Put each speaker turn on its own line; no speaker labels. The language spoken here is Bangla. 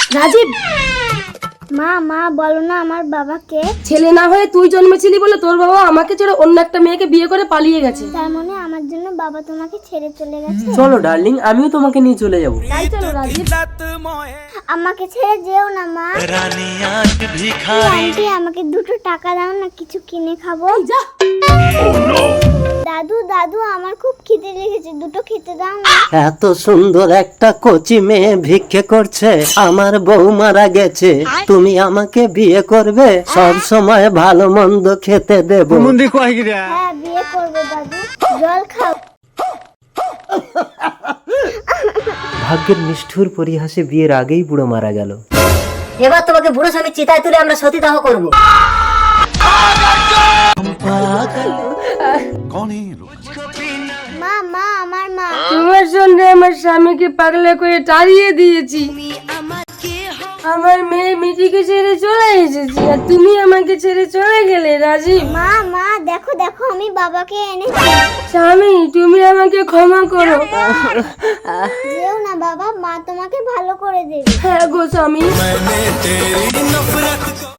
রাজীব,
মা মা বলো না আমার বাবাকে।
ছেলে না হয়ে তুই জন্মেছিলি বলে তোর বাবা আমাকে ছেড়ে অন্য একটা মেয়েকে বিয়ে করে পালিয়ে গেছে।
তার মানে আমার জন্য বাবা তোমাকে ছেড়ে চলে গেছে।
চলো ডার্লিং, আমিও তোমাকে নিয়ে চলে যাব।
তাই চলো রাজীব।
আমাকে ছেড়ে যেও না মা। আন্টি আমাকে 2টো টাকা দাও না, কিছু কিনে খাবো।
যা।
দাদু দাদু আমার খুব খিদে লেগেছে, 2টো খেতে দাও না।
এত সুন্দর একটা কচি মেয়ে ভিক্ষে করছে, আমার বউ মারা গেছে, তুমি আমাকে বিয়ে করবে, সব সময় ভালো মন্দ খেতে দেব।
হ্যাঁ বিয়ে করবো দাদু, জল খাও।
ভাগ্যের নিষ্ঠুর পরিহাসে বিয়ের আগেই বুড়ো মারা গেল।
এবার তোমাকে বুড়ো স্বামী চিতায় তুলে আমরা সতীদাহ করবো।
মা মা আমার মা।
তোমার জন্য আমার স্বামীকে পাগলা করে তাড়িয়ে দিয়েছি, আমার মেয়ে মিটিকে ছেড়ে চলে এসেছি, আর তুমি আমাকে ছেড়ে চলে গেলে রাজীব।
মা মা দেখো দেখো আমি বাবাকে এনেছি।
স্বামী তুমি আমাকে ক্ষমা করো।
যেও না বাবা, মা তোমাকে ভালো করে দেবে।
হ্যাঁ গো স্বামী।